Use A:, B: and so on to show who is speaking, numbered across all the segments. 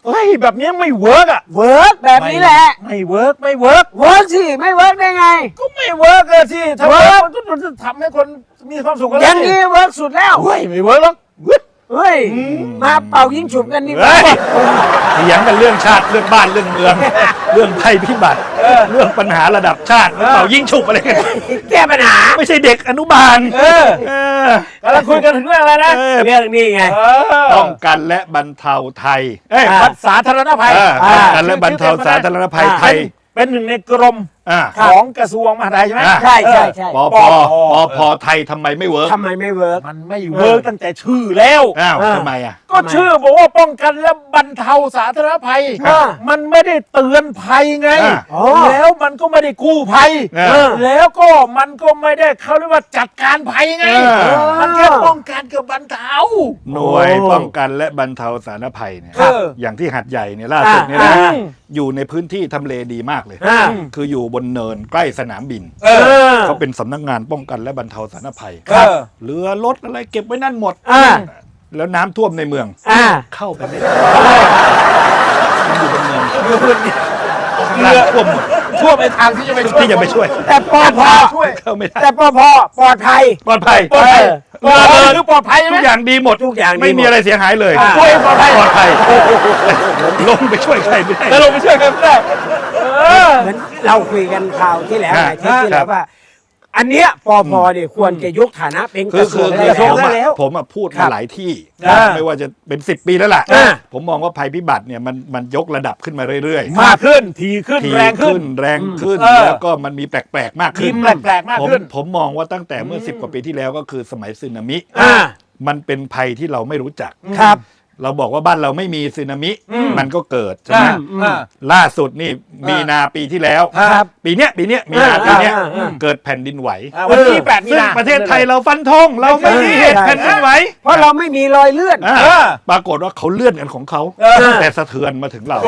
A: เฮ้ยแบบนี้ไม่เวิร์กอ่ะ
B: เวิร์กแบบนี้แหละ
A: ไม่เวิร์ก
B: เวิร์กสิไม่เวิร์กได้ไง
A: ก็ไม่เวิร์กเลยสิถ้า
B: เวิ
A: เวิ
B: ร์
A: ร์
B: ก
A: กมันจะทำให้คนมีความสุขกัน
B: อย่างนี้เวิร์กสุดแล้ว
A: เฮ้ยไม่เวิร์กหรอก
B: เฮ้ยมาเป่ายิงฉุบกันดีกว่า
C: เฮ้ยเถียงกันเรื่องชาติเรื่องบ้านเรื่องเมือง เรื่องภัยพิบัติเรื่องปัญหาระดับชาติเป่ายิ่งฉุบอะไรกัน
B: แก้ปัญหา
C: ไม่ใช่เด็กอนุบาล
A: เออกำลังคุยกันถึงเรื่องอะไรนะ
B: เรื่องนี้ไง
C: ป้องกันและบรรเทาไทย
A: วัดสาธารณภัย
C: ป้องกันและบรรเทาสาธารณภัยไทย
A: เป็นหนึ่งในกรม
C: อ่า
A: ของกระทรวงมหาดไทยใช่ไหม
B: ใช่ใช่
C: ปพไทยทำไมไม่เวิร์ก
B: ทำไมไม่เวิร์ก
A: มันไม่เวิร์กตั้งแต่ชื่อแล้ว
C: อ้าวทำไมอ่ะ
A: ก็ชื่อบอกว่าป้องกันและบรรเทาสาธารณภัย มันไม่ได้เตือนภัยไง แล้วมันก็ไม่ได้กู้ภัย แล้วก็มันก็ไม่ได้เขาเรียกว่าจัดการภัยไง มันแค่ป้องกันกับบรรเทา
C: หน่วยป้องกันและบรรเทาสาธารณภัยเนี่ย
A: ครับ
C: อย่างที่หัดใหญ่เนี่ยล่าสุดเนี่ยนะอยู่ในพื้นที่ทำเลดีมากเลย คืออยู่บนเนินใกล้สนามบิน เขาเป็นสำนักงานป้องกันและบรรเทาสาธารณภัย
A: ครับ
C: เรือรถอะไรเก็บไว้นั่นหมด แล้วน้ำท่วมในเมือง เข้าไปไม่ได้มันอยู่บนเนินข้างล่างท่วมหมด
A: ทั่วไปทางที่จะไปช่วย
C: ที่จะไปช่วย
B: แต่ปพ
A: ช่วย
C: เข้าไม่ได้
B: แต่ปพปลอดภัย
C: ปลอดภัย
A: ปลอดภัย
B: เออ
A: คือปลอดภัยใช่ไหม
C: ทุกอย่างดีหมด
B: ทุกอย่างดีหมด
C: ไม่มีอะไรเสียหายเลย
A: ช่วยปลอดภัย
C: ปลอดภัยลงไปช่วยใครไม่ได้
A: แล้วลงไปช่วยกันไม่ได้
B: เหมือนเราคุยกันข่าวที่แล้วหลายเทปที่แล้วว่า อันเนี้ยปพเนี่ยควรจะยกฐานะเป็นก
C: คื
B: ระ
C: อ
B: ทรวง
C: คื
B: ได้
C: อ
B: แล้ว
C: ผมอะพูด
B: ครั
C: มา
B: บ
C: หลายที่
A: อ่า
C: ไม่ว่าจะเป็น10 ปีแล้วล่ะ
B: อ่า
C: ผมมองว่าภัยพิบัติเนี่ยมันยกระดับขึ้นมาเรื่อยๆ
A: มากขึ้นทีขึ้น
C: ที
A: แรงขึ้น
C: แรงขึ้น แล้วก็มันมีแปลกๆมาก
A: มี
C: ขึ้น
A: แปลกๆมากขึ้น
C: ผมมองว่าตั้งแต่เมื่อ10 กว่าปีที่แล้วก็คือสมัยสึนามิ
B: อ่า
C: มันเป็นภัยที่เราไม่รู้จัก
B: ครับ
C: เราบอกว่าบ้านเราไม่มีสึนามิ มันก็เกิดใช่ไหม ล่าสุดนี่มีนาปีที่แล้ว
B: ครับ
C: ปีเนี้ยมีนาปีเนี้ยเกิดแผ่นดินไหว
A: วันที่8 มี
C: ซึ่ง
A: นา
C: ประเทศไทยเราฟันธงเราไม่มีเหตุแผ่นดินไหว
B: เพราะเราไม่มีรอยเลื่อน
C: ปรากฏว่าเขาเลื่อนกันของเขาแต่สะเทือนมาถึงเรา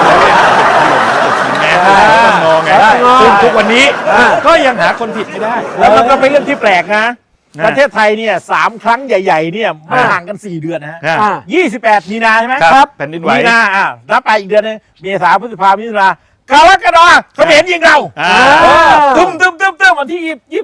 C: แง่งอไงซึ่งทุกวันนี้ก็ยังหาคนผิดไม่ได้
A: แล้วมันก็เป็นเรื่องที่แปลกนะ ประเทศไทยเนี่ย3 ครั้งใหญ่ๆเนี่ยไม่ห่างกัน4 เดือนนะฮะ 28 มีนาใช่ไหม
C: ครับแผ่นดินไหว
A: มีนานับไปอีกเดือนนึงเมษาพฤษภามิถุนากรกฎาคมเขมรยิงเราตึ้มวันที่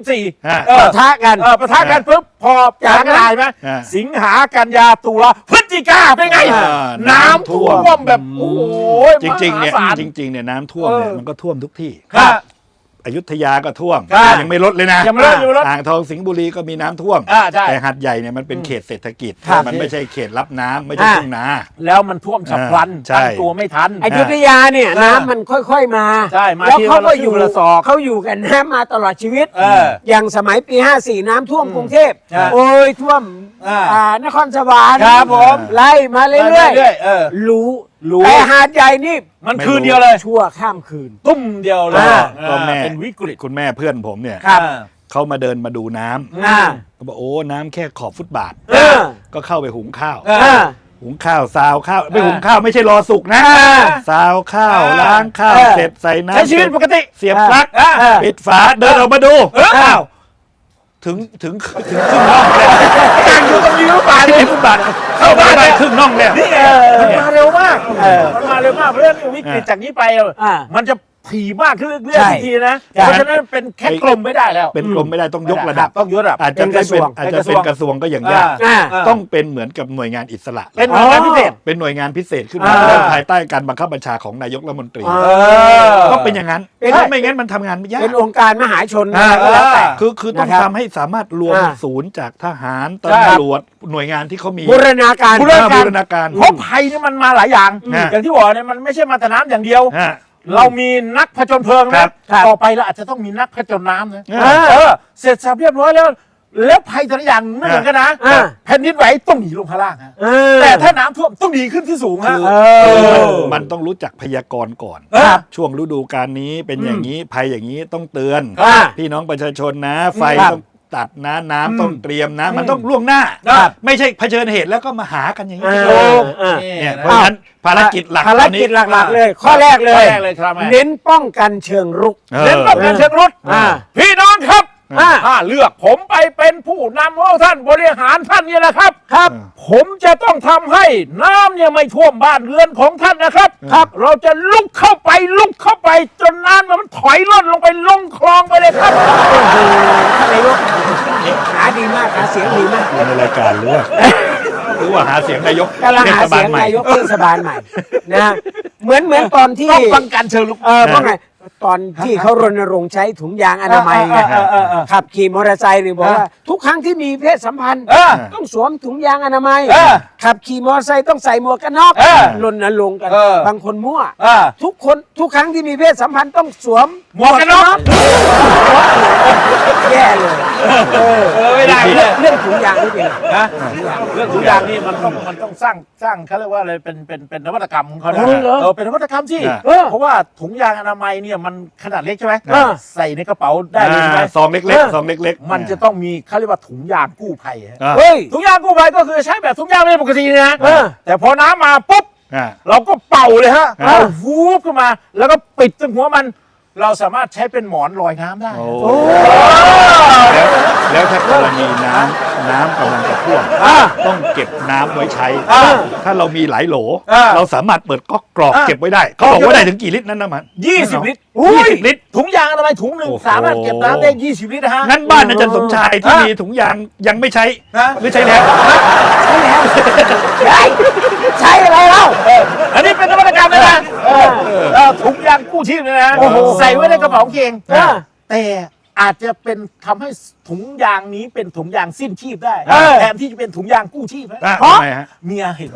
A: 24
B: ปะทะกัน
A: ปะทะกันปุ๊บพอจากกระดาษไหมสิงหากันยาตุลาพฤศจิกาเป็นไง น้ำท่วมแบบโอ้โห
C: จริงๆเนี่ย
A: มหาศาล
C: จริงๆเนี่ยน้ำท่วมเนี่ยมันก็ท่วมทุกที่
A: ครับ
C: อยุธยาก็ท่วม
A: ครับ
C: ยังไม่ลดเลยนะ
A: ยังไม่ลด
C: อ่างทองสิงห์บุรีก็มีน้ำท่วม
A: ใช่
C: แต่หัดใหญ่เนี่ยมันเป็นเขตเศรษฐกิจ
B: ครับ
C: มันไม่ใช่เขตรับน้ำไม่ใช่ทุ่งนา
A: แล้วมันท่วมฉับพลัน
C: ใช่
A: ตั้งตัวไม่ทัน
B: อยุธยาเนี่ยน้ำมันค่อยๆมา
A: ใช่มา
B: แล้ว
A: ทีละ
B: เขาก็อยู่
A: ทีละศอก
B: เขาอยู่กันน้ำมาตลอดชีวิต อย่างสมัยปี 54 น้ำท่วมกรุงเทพ
A: ใช่
B: โอ้ยท่วม นครสวรรค์
A: ครับผม
B: ไล่มาเรื่อย
A: ๆ
B: รู้
A: รู้
B: แต่หาดใหญ่นี่
A: มันคืนเดียวเลย
B: ชั่วข้ามคืน
A: ตุ้มเดียวเลย
C: ก็แม่
A: เป็นวิกฤต
C: คุณแม่เพื่อนผมเนี่ย
B: ครับ
C: เขามาเดินมาดูน้ำ
B: อ่า
C: เขาบอกโอ้น้ำแค่ขอบฟุตบาท
B: เออ
C: ก็เข้าไปหุงข้าว
B: อ่า
C: หุงข้าวซาวข้าวไม่หุงข้าวไม่ใช่รอสุกนะ
B: อ่า
C: ซาวข้าวล้างข้าว
B: เออ
C: เสร็จใส่น้ำ
A: ใช้ชีวิตปกติ
C: เสียบปลั๊ก
B: อ่า
C: ปิดฝาเดินออกมาดูอ้าวถึงครึ่งน่องแล้ว
A: กางอยู่ตรงนี้หรือเปล่า
C: ไม่ได้ฟุตบาทเข้าบ้านได้ครึ่งน่องแล้ว
A: นี่ไงมันมาเร็วมากมันมาเร็วมากเพราะฉะนั้นวิกฤตจากนี้ไป
B: อ่า
A: มันจะถี่มากขึ้นเรื่อย
B: ใช่
A: ๆทีนะ
B: ใช่
A: เพราะฉะนั้นเป็นแค่กลมไม่ได้แล้ว
C: เป็นกรมไม่ได้ต้องยกระดับ
A: ต้องยกระดับ
C: อาจจะ
B: เป็นกระทรวง
C: อาจจะเป็นกระทรวงก็อย่างยาก
B: อ่า
C: ต้องเป็นเหมือนกับหน่วยงานอิสระ
A: เป็นหน่วยงานพิเศษ
C: เป็นหน่วยงานพิเศษขึ้นมา
A: อ่า
C: ภายใต้การบังคับบัญชาของนายกรัฐมนตรี
B: อ
C: ต้องเป็นอย่างนั้น
B: เป็น
C: ถ้าไม่งั้นมันทำงานไม่ยาก
B: เป็นองค์การมหาชน
C: อ่า
B: ก็แล้วแต่
C: คือต้อง
B: นะครับ
C: ทำให้สามารถรวม
B: อ่า
C: ศูนย์จากทหาร
A: ใช่
C: ตำรวจหน่วยงานที่เขามี
B: บูรณาการ
A: บูรณาการ
C: บูรณาการ
A: เพราะภัยนี่มันมาหลายอย่าง อย่างที่บอกเนี่ยมันไม่ใช่มาแต่น้ำอย่างเดียว
C: ฮะ
A: เรามีนักผจญเพลิง
C: ครั
A: นะ
C: บ
A: ต่อไปเราอาจจะต้องมีนักผจญน้ำนะ
C: อ่า
A: เสร็จสับเรียบร้อยแล้ว แล้วภัยแต่ละอย่างไม่เหมือนกันนะ
B: อ่า
A: แผ่นดินไหวต้องหนีลงข้างล่างฮะ
B: เออ
A: แต่ถ้าน้ำท่วมต้องหนีขึ้นที่สูงฮะ
C: มันต้องรู้จักพยากรณ์ก่อน
A: ครับ
C: ช่วงฤดูกาลนี้เป็นอย่างนี้ภัยอย่างนี้ต้องเตือน
B: ครับ
C: พี่น้องประชาชนนะ ไฟ
B: ครับ
C: ต้องตัดนะน้ำต้องเตรียมนะ มันต้องล่วงหน้า
A: ครับ
C: ไม่ใช่เผชิญเหตุแล้วก็มาหากันอย่างนี้
B: เออเออ
C: เนี่ยเพราะฉะนั้นภารกิจหลัก
B: ภาร
C: ตอนนี้
B: กิจหลักๆเลย ข้อแรกเล
A: ข้อย แรกเลยครับแม่
B: เน้นป้องกันเชิงรุก
C: เออ
A: เน้นป้องกันเชิงรุก
B: อ่า
A: พี่น้องครับถ้าเลือกผมไปเป็นผู้นำของท่านบริหารท่านเนี่ยนะครับครับผมจะต้องทำให้น้ำเนี่ยไม่ท่วมบ้านเรือนของท่านนะครับครับเราจะลุกเข้าไปจนน้ำมันถอยล่นลงไปลงคลองไปเลยครับ
B: ท่านนายกหาดีมากหาเสียงดีมาก
C: ในรายการหรือว่าหาเสียงนายก
B: กำลังหาเสียงนายกเทศบาลใหม่นะเหมือนตอนที่
A: ต้องฟังการเชิญลุก
B: เพราะไงตอนที่เขารณรงค์ใช้ถุงยางอนามัยไงขับขี่มอเตอร์ไซค์หรือบอกว่าทุกครั้งที่มีเพศสัมพันธ์ต้องสวมถุงยางอนามัยขับขี่มอเตอร์ไซค์ต้องใส่หมวกกันน็อกรณรงค์กันบางคนมั่วทุกครั้งที่มีเพศสัมพันธ์ต้องสวม
A: หมวกกันน็อก
B: แย่เลย
A: ไม่ได้เลย
B: เรื่องถุงยางนี่เป็นไง
A: นะเรื่องถุงยางนี่มันต้องสร้างเขาเรียกว่าอะไรเป็นนวัตกรรมของเขานะเป็นนวัตกรรมสิเพราะว่าถุงยางอนามัยเนี่ยมันขนาดเล็กใช่ไหมใส่ในกระเป๋าได้เลยใช่ไหม
C: ซองเล็กๆซองเล็กๆ
A: มันจะต้องมีเขาเรียกว่าถุงยางกู้ภัย
B: เฮ้ย
A: ถุงยางกู้ภัยก็คือใช้แบบถุงยางไม่ปกตินะแต่พอน้ำมาปุ๊บเราก็เป่าเลยฮะเอาวูบขึ้นมาแล้วก็ปิดตรงหัวมันเราสามารถใช้เป็นหมอนลอยน้ำได้
C: แล้วถ้ากรณีน้ำกำลังจะท่วมต้องเก็บน้ำไว้ใช้ ถ้าเรามีหลายโหล เราสามารถเปิดก๊อกกรอกเก็บไว้ได้เขาบอกว่าได้ถึงกี่ลิตรนั่นนะมัน
A: 20 ลิตร
C: 20 ลิตร
A: ถุงยางอนามัยถุงหนึ่ง
C: โอ้โห
A: สามารถเก็บน้ำได้ 20 ลิตรนะฮะ
C: งั้นบ้านอาจารย์สมชายที่มีถุงยางยังไม่ใช้หรือใช้แล้ว
B: ใช่อะไรเล่า
A: อันนี้เป็นนวัตกรรมเลยนะถุงยางกู้ชีพเลยนะใส่ไว้ในกระเป๋าเกงแต่อาจจะเป็นทำให้ถุงยางนี้เป็นถุงยางสิ้นชีพได้แทนที่จะเป็นถุงยางกู้ชีพนะ
C: ทำไมฮะ
A: เมียเห็น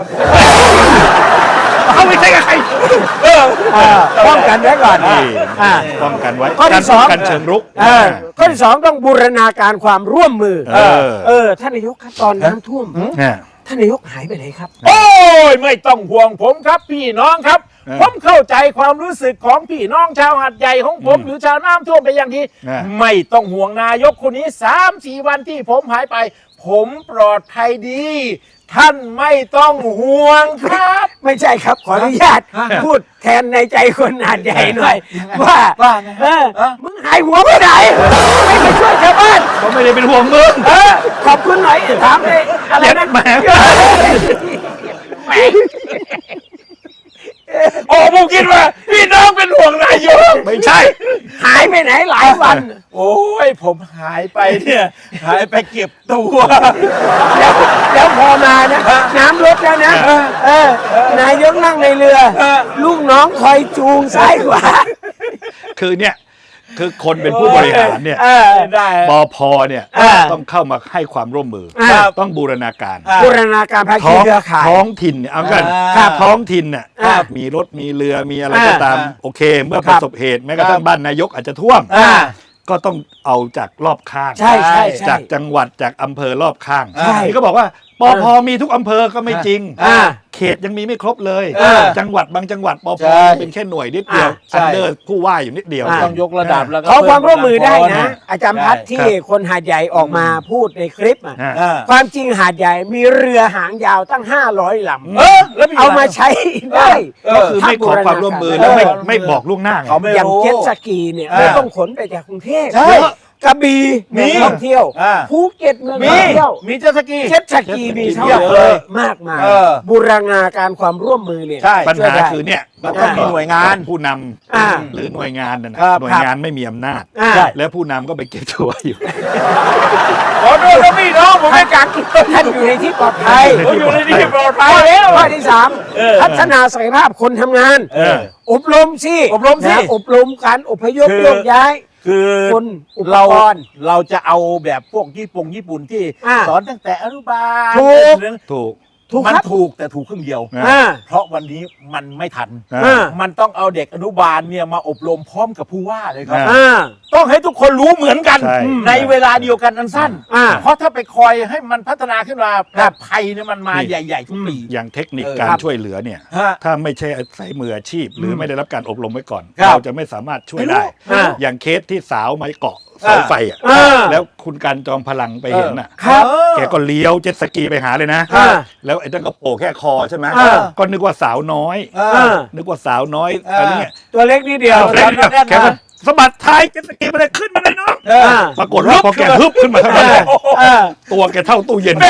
C: เขาไม่ใช่กับใคร
B: ป้องกันไว้ก่อน
C: ป้องกันไว้
B: ข้อที่สอง
C: การเชิงรุก
B: ข้อที่สองต้องบูรณาการความร่วมมือท่านนายกครับตอนน้ำท่วมท่านนายกหายไปไหนครับ
A: โอ้ยไม่ต้องห่วงผมครับพี่น้องครับผมเข้าใจความรู้สึกของพี่น้องชาวหาดใหญ่ของผมหรือชาวน้ำท่วมไปอย่างที่ไม่ต้องห่วงนายกคนนี้ 3-4 วันที่ผมหายไป ผมปลอดภัยดี ท่านไม่ต้องห่วงครับ
B: ไม่ใช่ครับขออนุญาตพูดแทนในใจคนหาดใหญ่หน่อยว่ามึงหายหัวไปไหนไม่ไปช่วยชาวบ้าน
C: เขาไม่ได้เป็นห่วงมึง
B: ขอบคุณหน่อยถามเลยอะไรนะ
C: แหม
A: โอ้ผมคิดว่าพี่น้องเป็นห่วงนายก
C: ไม่ใช่
B: หายไปไหนหลายวัน
A: โอ้ยผมหายไปเนี่ยหายไปเก็บตัว
B: แล้วพอมานะน้ำลดแล้วนะนายกนั่งในเรือ ลูกน้องคอยจูงซ้ายขวา
C: คือเนี่ยคือคนเป็นผู้บริหารเนี่ย
A: ได้
C: ปพเนี่ยต้องเข้ามาให้ความร่วมมือต้องบูรณาการ
B: บูรณาการภาคีเครือข่าย
C: ท้องถิ่นเนี่ยเอากันท้องถิ่นเนี่ยมีรถมีเรือมีอะไรก็ตามโอเค เมื่อประสบเหตุแม้กระทั่งบ้านนายกอาจจะท่วมก็ต้องเอาจากรอบข้าง
B: ใช่
C: จากจังหวัดจากอำเภอรอบข้าง
B: ใช่
C: นี่ก็บอกว่าปพมีทุกอำเภอก็ไม่จริงเขตยังมีไม่ครบเลยจังหวัดบางจังหวัดปพเป็นแค่หน่วยนิดเดียวอันเดอร์ผู้ว่าอยู่นิดเดียว
A: ต้องยกระดับแล้วก็
B: ขอความร่วมมือได้นะ อาจารย์พัฒน์ที่คนหาดใหญ่ออกมาพูดในคลิปความจริงหาดใหญ่มีเรือหางยาวตั้ง500 ลำ
A: แล้ว
B: เอามาใช้ได้
C: ก็คือไม่ขอความร่วมมือแล้วไม่บอกล่วงหน้าไง
A: เขาไม่
B: อย่าง
A: รู้
B: เจ็ตสกีเนี่ยไม่ต้องขนไปจากกรุงเทพ
A: ใช่
B: กระบี่เมืองท่องเที่ยวภูเก็ตเมืองท่องเที่ยว
A: มีเจ็ตสกี
B: เจ็ตสกีมีเท่า
A: เยอะ
B: เล
A: เลย ย
B: มากมาย
A: เออ
B: บูรณาการความร่วมมือเนี่ย
A: ใช่
C: ปัญหาคือเนี่ย
A: มันต้องมีหน่วยงาน
C: ผู้น
B: อ่า
C: ำหรือหน่วยงานนั่นนะ
A: ครับ
C: หน่วยงานไม่มีอำนาจ
B: อ่า
C: แล้วผู้นำก็ไปเก็บตัวอยู่
A: ขอโทษนะพี่น้องผมไม่กัก
B: ท่านอยู่ในที่ปลอดภัย
A: ผมอยู่ในที่ปลอดภัย
B: ข้อ
A: แล้ว
B: ข้อที่ 3 พัฒนาศักยภาพคนทำงาน อบรมสิ
A: อบรมสิ
B: นะอบรมการอพยพ
A: คือ
B: โยกย้าย
A: คือ
B: คนอุป
A: เรา
B: กรณ์
A: เราจะเอาแบบพวกญี่ปุ่นที่ สอนตั้งแต่อนุบาล
B: ถูก
A: เรื่อง
C: ถูก
B: ถูก
A: มัน
B: ครับ
A: ถูกแต่ถูกครึ่งเดียว
B: อ่า
A: เพราะวันนี้มันไม่ทัน
C: อ่า
A: มันต้องเอาเด็กอนุบาลเนี่ยมาอบรมพร้อมกับผู้ว่าเลยครับ
C: อ่า
A: ต้องให้ทุกคนรู้เหมือนกัน
C: ใช่
A: ในเวลาเดียวกันอันสั้น
B: อ่า
A: เพราะถ้าไปคอยให้มันพัฒนาขึ้นมาแบบภัยเนี่ยมันมาใหญ่ๆทุกปี
C: อย่างเทคนิค
A: เออ
C: การ
A: ครับ
C: ช่วยเหลือเนี่ย
A: ฮะ
C: ถ้าไม่ใช่ใช้มืออาชีพ หรือไม่ได้รับการอบรมไว้ก่อน
A: ครับ
C: เราจะไม่สามารถช่วยได้
B: อ่า
C: อย่างเคสที่สาวไม้เกาะเสาไฟอ่ะ
B: อ่า
C: แล้วคุณการจอมพลังไปเห็นน่ะ
B: ครับ
C: แกก็เลี้ยวเจ็ตสกีไปหาเลยนะ
B: อ่า
C: แล้วไอ้นั่นก็โผล่แค่คอใช่ไหม
B: อ่า
C: ก็นึกว่าสาวน้อย
B: อ่า
C: นึกว่าสาวน้อยอะไรเงี้ย
B: ตัวเล็กนิดเดียว
A: เออ
C: แกก็สะบัดท้ายเจ็ตสกีมาเลยขึ้นมาเลยน้องปรากฏว่าพอแกฮึบขึ้นมาเท่านั้นแหละตัวแกเท่าตู้เย็น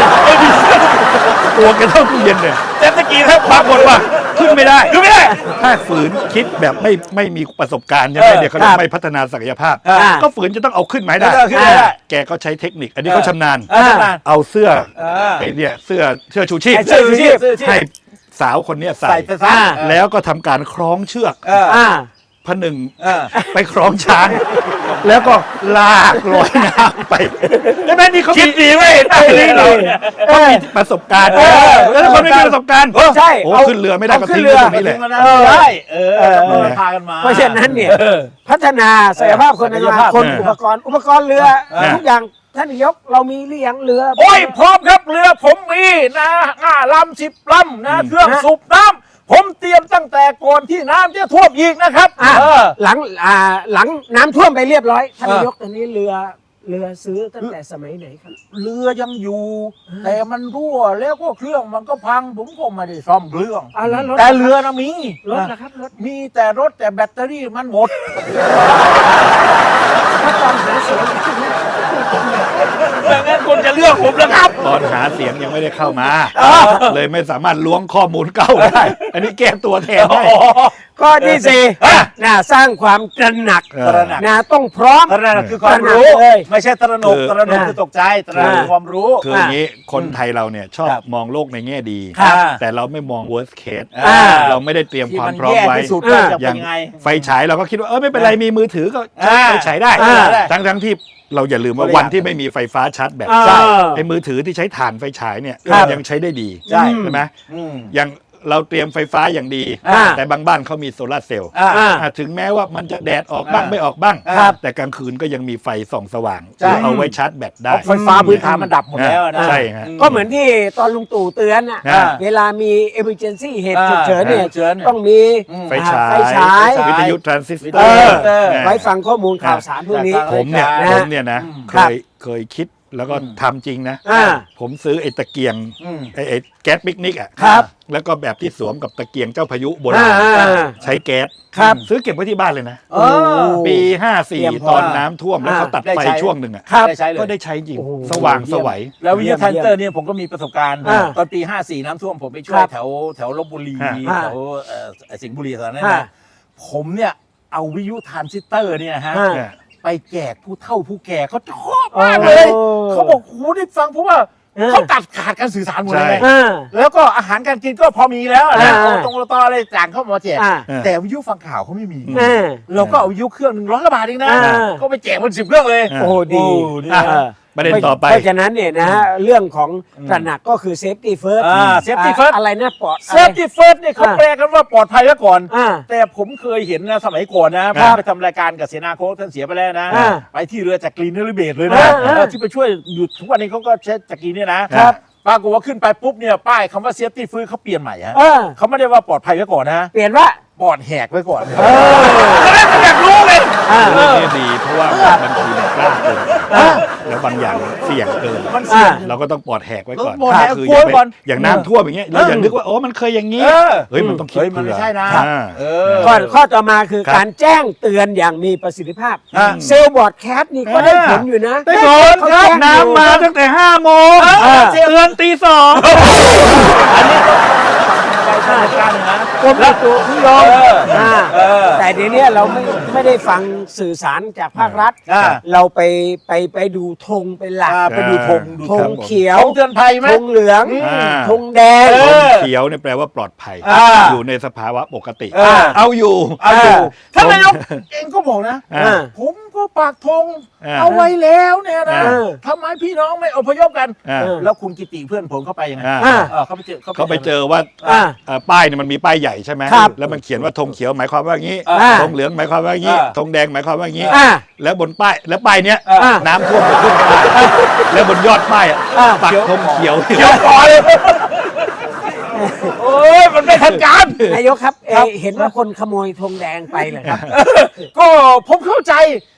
C: ตัวแกเท่าตู้เย็นเนี่ย
A: เจ็ตสกีถ้า
C: ปรากฏว่าขึ้นไม่ได้ถ้าฝืนคิดแบบไม่มีประสบการณ์ใช่ไหมเดี๋ยวเขาเรียกไม่พัฒนาศักยภาพ ก็ฝืนจะต้องเอาขึ้นมาให้ได้แกก็ใช้เทคนิค อันนี้เขาชำนาญเอาเสื้อไอ้เนี่ยเสื้อชูชีพให้สาวคนนี้ใส่แล้วก็ทำการคล้องเชือกผนึงไปคล้องช้าง แล้วก็ลากลอยน้ำไปใช่ไหมนี่เขาคิดดีไว้นี่เราเขามีประสบการณ์แล้วถ้าคนไม่มีประสบการณ์ใช่โอ้ขึ้นเรือไม่ได้ก็ทิ้งไว้ตรงนี้แหละ
A: ใช่พากันมา
B: เพราะฉะนั้นเนี่ยพัฒนาศักยภาพคนในคนอุปกรณ์เรือทุกอย่างท่านนายกเรามีหรือยังเรือ
A: โอ้ยพร้อมครับเรือผมมีนะ5 ลำ 10 ลำนะเครื่องสูบน้ำผมเตรียมตั้งแต่ก่อนที่น้ำจะท่วมอีกนะครับ
B: หลังน้ำท่วมไปเรียบร้อยท่านนายกตอนนี้เรือซื้อตั้งแต่สมัยไหนครับ
A: เรือยังอยู่แต่มันรั่วแล้วก็เครื่องมันก็พังผมก็ไม่ได้ซ่อมเครื่องแต่เรือนะมี
B: รถนะครับรถ
A: มีแต่รถแต่แบตเตอรี่มันหมด
B: ถ้าตอนหาเสียง
A: ดังนั้นคุณจะเลือกผมแล้วครับ
C: ตอนหาเสียงยังไม่ได้เข้ามาเลยไม่สามารถล้วงข้อมูลเก้าได้อันนี้แก้ตัวแทนได้
B: ข้อที่สี่สร้างความตระหนักต้องพร้อม
A: ตระหนักคือความรู้ไม่ใช่ตระหนกคือตกใจตระหนักคือความรู้
C: คืออย่างนี้คนไทยเราเนี่ยชอบมองโลกในแง่ดีแต่เราไม่มอง worst case เราไม่ได้เตรียมความพร้อมไว้อย่างไฟฉายเราก็คิดว่าไม่เป็นไรมีมือถือก็ไฟฉายได้ทั้งที่เราอย่าลืมว่าวันที่ไม่มีไฟฟ้าชาร์จแบตไอ้มือถือที่ใช้ถ่านไฟฉายเนี่ยยังใช้ได้ดีใช่ไหมยังเราเตรียมไฟฟ้าอย่างดีแต่บางบ้านเขามีโซลาร์เซลล์ถึงแม้ว่ามันจะแดดออกบ้างไม่ออกบ้างแต่กลางคืนก็ยังมีไฟส่องสว่างเอาไว้ชาร์จแบตได้
A: ไฟฟ้าพื้นฐานมันดับหมดแล้วนะ
C: ใช่ฮะ
B: ก็เหมือนที่ตอนลุงตู่เตือนเวลามี emergency เหตุฉุกเฉินเนี่ยต้องมี
C: ไฟฉายวิทยุทรานซิสเตอร์
B: ไว้ฟังข้อมูลข่าวสารพวกนี้
C: ผมเนี่ยนะเคยคิดแล้วก็ทำจริงนะผมซื้อไอ้ตะเกียงไอ้แก๊สปิกนิกอ่ะแล้วก็แบบที่สวมกับตะเกียงเจ้าพายุโบราณใช้แก๊สซื้อเก็บไว้ที่บ้านเลยนะปี54ตอนน้ำท่วมแล้วเขาตัดไฟช่วงหนึ่งอ่ะก็ได้ใช้จริงสว่างสวัย
A: แล้ววิทยาทันเตอร์เนี่ยผมก็มีประสบการณ์ตอนปี54น้ำท่วมผมไปช่วยแถวลพบุรีแถวสิงห์บุรีตอนนั้นนะผมเนี่ยเอาวิทยุทรานซิสเตอร์เนี่ยฮะไปแจกผู้เฒ่าผู้แก่เขาชอบมากเลยเขาบอกโหได้ฟังเพราะว่าเขาตัดขาดการสื่อสารหมดเลยแล้วก็อาหารการกินก็พอมีแล้วนะตรงตออะไรต่างเข้ามาแจกแต่วิทยุฟังข่าวเขาไม่มีเราก็เอาวิทยุเครื่อง100 กว่าบาทเองนะก็ไปแจกมัน10 เครื่องเลย
B: โอ้ดี
C: ประเด็นต่อไป
B: เพราะฉะนั้นเนี่ยนะเรื่องของตระหนักก็คือ safety first
A: safety first
B: อะไรนะปลอด
A: safety first เนี่ยเขาแปลกันว่าปลอดภัยไว้ก่อนแต่ผมเคยเห็นนะสมัยก่อนนะพาไปทำรายการกับเสนาโค้ชท่านเสียไปแล้วนะไปที่เรือจักรีนฤเบศเลยนะที่ไปช่วยอยู่ทุกวันนี้เขาก็ใช้จักรีเนี่ยนะปรากฏว่าขึ้นไปปุ๊บเนี่ยป้ายคำว่า safety first เขาเปลี่ยนใหม่ฮะเขาไม่ได้ว่าปลอดภัยไว้ก่อนนะ
B: เปลี่ยนว่า
A: ปอดแหกไว้ก่อนอยากรู้เลย
C: นี่ดีเพราะว่าบางทีมันกล้าเกินแล้วบางอย่างเสี่ยงเกินเราก็ต้องปอดแหกไว้ก่อนคืออย่างน้ำท่วมอย่างเงี้ยเราอย่านึกว่าโอ้มันเคยอย่างนี้เฮ้ยมันต้องคิด
A: มันไม่ใช่นะ
B: ข้อต่อมาคือการแจ้งเตือนอย่างมีประสิทธิภาพเซลล์บอร์ดแคสต์นี่ก็ได้ผลอยู่นะ
C: ได้ผลครับน้ำมาตั้งแต่5 โมงเตือนตี 2
A: อันนี้ใช่การนะ
B: กรมอุตุนิยมแต่เดี๋ยวนี้เราไม่ได้ฟังสื่อสารจากภาครัฐเราไปดูธงเป็นหลัก
A: ไปดูธ
B: งเขียว
A: ธงเตือนภัยไหม
B: ธงเหลืองธงแดง
C: ธงเขียวเนี่ยแปลว่าปลอดภัยอยู่ในสภาวะปกติเอาอยู่
A: ท่านนายกเองก็บอกนะผมก็ปากธงเอาไว้แล้วเนี่ยนะทำไมพี่น้องไม่อพยพกันแล้วคุณกิติเพื่อนผมเข้าไปยังไง
C: เขาไปเจอว่าป้ายเนี่ยมันมีป้ายใหญ่ใช่ไหมแล้วมันเขียนว่าธงเขียวหมายความว่าอย่างนี้ธงเหลืองหมายความว่าอย่างนี้ธงแดงหมายความว่าอย่างนี้แล้วบนป้ายแล้วป้ายเนี้ยน้ำท่วมไปขึ้นป้ายแล้วบนยอดป้ายปักธงเขียว
A: ก่อนเลยโอ้ยมันไม่ทันการ
B: นายกครับเห็นว่าคนขโมยธงแดงไปเหรอครับ
A: ก็ผมเข้าใจ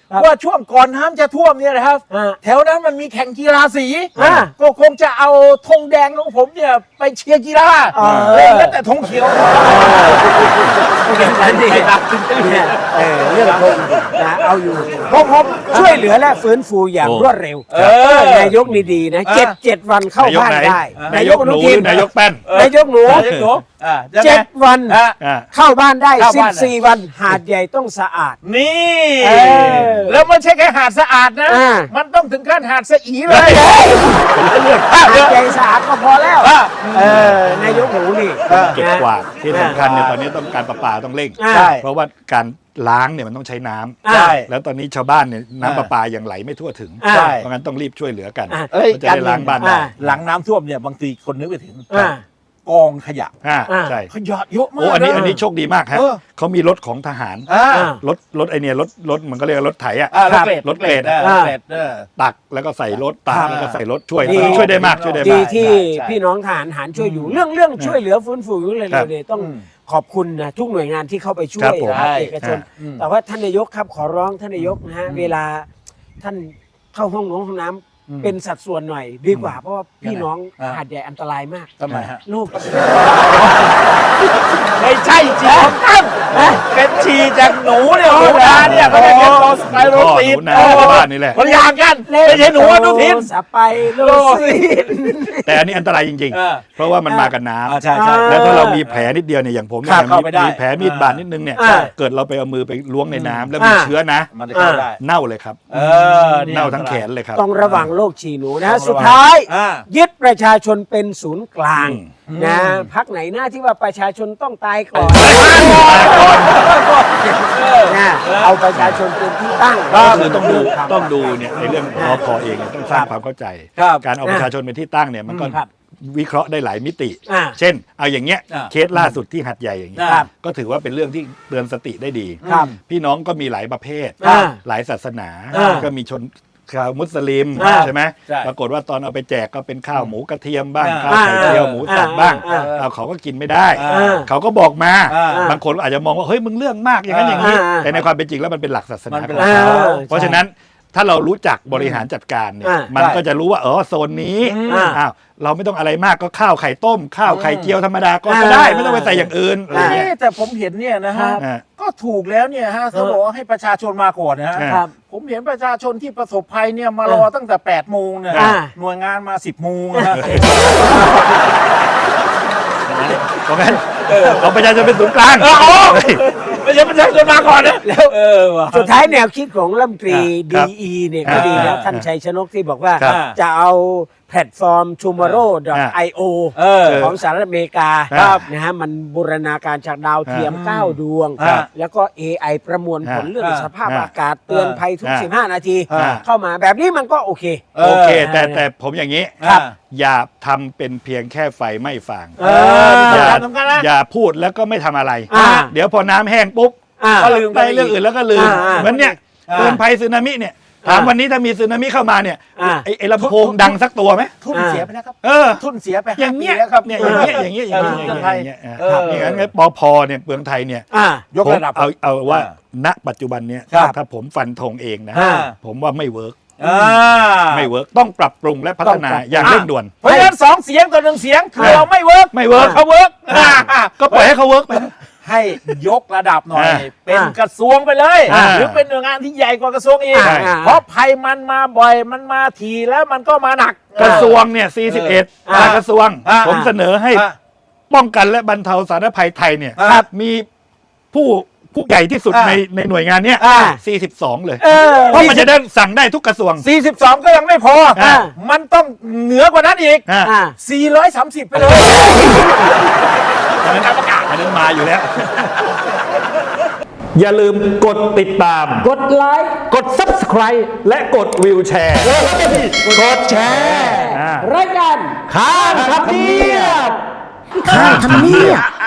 A: ว่าช่วงก่อนน้ำจะท่วมเนี่ยนะครับ แถวนั้นมันมีแข่งกีฬาสี ก็คงจะเอาธงแดงของผมเนี่ยไปเชียร์กีฬาเลยแล้วแต่ธงเขียว
B: อย่างนั้นดิเนี่ยเรื่องธงนะเอาอยู่ผมช่วยเหลือและฟื้นฟูอย่างรวดเร็ว นายกนี่ดีนะ7 วันเข้าบ้านได้
C: นายกหนูหรือนายกแป้น
B: นายกหนู 7 วันเข้าบ้านได้
A: เข้าบ้าน
B: 14 วันหาดใหญ่ต้องสะอาด
A: นี่
B: แล้ว
A: ไม่ใช่แค่หาดสะอาดนะ มันต้องถึงขั้นหาดสะอีเลย
B: หาดใหญ่สะอาดก็พอแล้วนายกหนูนี่
C: เก็บกวาดที่สำคัญเนี่ยตอนนี้ต้องการประปาต้องเร่ง
B: ใช่
C: เพราะว่าการล้างเนี่ยมันต้องใช้น้ำ
B: ใช่
C: แล้วตอนนี้ชาวบ้านเนี่ยน้ำประปายังไหลไม่ทั่วถึง
B: ใช่
C: เพราะงั้นต้องรีบช่วยเหลือกัน
A: เอ้ย
C: ก็จะได้ล้างบ้านได้
A: หลังน้ำท่วมเนี่ยบางทีคนนึกไปถึง กองขยะ
C: ใช่
A: ขยะเยอะมาก
C: โอ้อันนี้โชคดีมากฮะ
A: เออ
C: เขามีรถของทหาร รถไอเนี่ยรถมันก็เรียกว่ารถไถอ่ะ รถเกรด
A: รถเกรด
C: ตักแล้วก็ใส่รถตักแล้วก็ใส่รถช่วย
B: ดี
C: ช่วยได้มากช่วยได้
B: ดี
C: มาก
B: ที่
A: ใช่
B: พี่น้องทหารหารช่วยอยู่เรื่องช่วยเหลือฟื้นฟูอยู่เลย
C: ครับ
B: เนี่ยต้องขอบคุณนะทุกหน่วยงานที่เข้าไปช่ว
C: ครั
B: ย
C: บผม
B: นะครับเอกชน แต่ว่าท่านนายกครับขอร้องท่านนายกนะฮะเวลาท่านเข้าห้องน้ำเป็นสัดส่วนหน่อยดีกว่าเพราะว่าพี่น้องหาดใหญ่อันตรายมาก
A: ทำไมฮะ
B: ลูก
A: ไม่ใช่ฉี่ของท่านเป็นฉี่จากหนูเนี่ยหนูนาเนี่ยเขาจะเป็นโรสไปโรตีน
C: หนูนาชาวบ้านนี่แหละ
A: คนอย่างกันไม่ใช่หนูอนุทิน
B: สไปโรซีน
C: แต่อันนี้อันตรายจริง ๆ เพราะว่ามันมากับน้ำ
A: ใช่
C: แล้วถ้าเรามีแผลนิดเดียวเนี่ยอย่างผมเนี่ย
A: เข้าไปได้
C: มีแผลมีดบาดนิดนึงเนี่ย เกิดเราไปเอามือไปล้วงในน้ำแล้วมีเชื้อนะ
A: มันจะเข้าได้
C: เน่าเลยครับ
A: นี่
C: เน่าทั้งแขนเลยครับ
B: ต้องระวังโรคฉี่หนูนะ
A: ต้องระวัง
B: สุดท้าย ยึดประชาชนเป็นศูนย์กลางนะพักไหนหน้าที่ว่าประชาชนต้องตายก่อนนะเอาประชาชนเป็นที่ตั้ง
C: ก็คือต้องดูเนี่ยในเรื่องรพเองเนี่ยต้องสร้างความเข้าใจ การเอาประชาชนเป็นที่ตั้งเนี่ยมันก็
B: ครับ
C: วิเคราะห์ได้หลายมิติ
B: อ่า
C: เช่น เอาอย่างเงี้ย
A: อ่า
C: เคสล่าสุดที่หัดใหญ่อย่างเงี้ย
B: ครับ
C: ก็ถือว่าเป็นเรื่องที่เตือนสติได้ดี
B: ครับ
C: พี่น้องก็มีหลายประเภท
B: อ่า
C: หลายศาสนา
B: อ่า
C: ก็มีชนชาวมุสลิม
B: อ่า
C: ใช่ไหม
A: ใช่
C: ปรากฏว่าตอนเอาไปแจกก็เป็นข้าวหมูกระเทียมบ้าง
A: อ่า
C: ข้าวไข่เจียวหมูสับบ้าง
B: อ่า
C: เอาเขาก็กินไม่ได้
A: อ่า
C: เขาก็บอกมา
A: อ่า
C: บางคนก็อาจจะมองว่าเฮ้ยมึงเรื่องมากอย่างนั้นอย่างนี้
B: อ่า
C: แต่ในความเป็นจริงแล้วมันเป็นหลักศาส
A: มั
C: นาน
A: เป็น
C: ของ
A: หลัก
C: เขา
B: อ่า
C: เพราะฉะนั้นถ้าเรารู้จักบริหารจัดการเนี่ย
B: อ่า
C: มันก็จะรู้ว่าโซนนี้
B: อ่า
C: อ้าวเราไม่ต้องอะไรมากก็ข้าวไข่ต้ม ข้าวไข่เจียวธรรมดาก็ได้ ไม่ต้องไปใส่อย่างอื่นอะไรเงี้ย
A: แต่ผมเห็นเนี่ยนะฮะ
C: อ่า
A: ก็ถูกแล้วเนี่ยฮะเขาบอกว่าให้ประชาชนมาก่อนนะฮะ
B: ครับ
A: ผมเห็นประชาชนที่ประสบภัยเนี่ยมารอตั้งแต่8 โมงเนี่ย
B: อ่า
A: หน่วยงานมา 10 โมงนะฮะ
C: เพราะงั้นเอาประชาชนเป็นศูนย์กลาง
A: ไม่ใช่ประชาชนมาก่อนนะแล้วว่ะ
B: สุดท้ายแนวคิดของรัฐมนตรี
C: ครับ
B: ดีเนี่ยก็ดีแล้วท่านชัยชนกที่บอกว่า
C: ครับ
B: จะเอาแพลตฟอร์ม tomorrow.io ของสหรัฐอเมริกา
C: ครับ
B: นะฮะมันบูรณาการจากดาวเทียม 9 ดวง
C: ครับ
B: แล้วก็ AI ประมวลผลเรื่อง
A: ครับ
B: สภาพอากาศเตือนภัยทุก 15 นาที
C: ครับ
B: เข้ามาแบบนี้มันก็โอเค
C: โอเค แต่ผมอย่างนี้
A: ครับ
C: อย่าทำเป็นเพียงแค่ไฟไม่ฟาง
A: นี่
C: อย่า
A: สำคัญนะ
C: อย่าพูดแล้วก็ไม่ทำอะไร
B: อ่า
C: เดี๋ยวพอน้ำแห้งปุ๊บ
B: อ่า
C: ก็ลืมไปเรื่องอื่นแล้วก็ลืม
B: อ่า
C: เหมือนเนี่ย
A: อ่า
C: เตือนภัยสึนามิเนี่ยถามวันนี้ถ้ามีสึนามิเข้ามาเนี่ย
B: อ่า
C: ไอ้ลำโพงดังสักตัวไหม
A: ทุนเสียไปแล้วครับ
C: เออ
A: ทุนเสียไป
C: อย่างเงี้ย
A: 5 ปีแล้วครับ
C: เนี่ยอย่างเงี้ยอย่างเงี้ยอย่างเงี้ยอย่างเงี้ยอย่างเงี้ย
A: เออ
C: อย่างนั้นปพเนี่ยเมืองไทยเนี่ย
A: ยกระดับ
C: ผมเอาว่าณปัจจุบันเนี่ย
A: ครับ
C: ถ้าผมฟันธงเองนะ
A: อ่า
C: ผมว่าไม่เวิร์ก
A: อ่า
C: ไม่เวิร์กต้องปรับปรุงและพัฒนาอย่างเร่งด่วน
A: เพราะฉะนั้น2 เสียงต่อ 1 เสียงคือเราไม่เวิร์ก
C: ไม่เวิร์ก
A: เขาเวิร์ก
C: ก็ปล่อยให้เขาเวิร์กไป
A: ให้ยกระดับหน่อย
C: อ่า
A: เป็นกระทรวงไปเลย
C: อ่า
A: หรือเป็นหน่วยงานที่ใหญ่กว่ากระทรวงอีก
C: ใช่
A: เพราะภัยมันมาบ่อยมันมาทีแล้วมันก็มาหนัก
C: กระทรวงเนี่ย41กระทรวง ผมเสนอให้
A: อ่า
C: ป้องกันและบรรเทาสาธารณภัยไทยเนี่ย
A: ครับ
C: มีผู้ใหญ่ที่สุด
A: อ่า
C: ในหน่วยงานเนี้ย
B: อ่า
C: 42 เลย
B: เออ
C: เพราะมันจะได้สั่งได้ทุกกระทรวง
A: 42 ก็ยังไม่พอ
C: อ่า
A: มันต้องเหนือกว่านั้นอีก
C: อ่า
B: อ่า
A: 430 ไปเลย
C: อันนั้นมาอยู่แล้ว อย่าลืมกดติดตาม
B: กดไลค์
C: กด subscribe และกดวิวแชร์ กดแชร์
B: รายการ
C: ข้ามทำเนียบ
B: ข้างทำเนียบ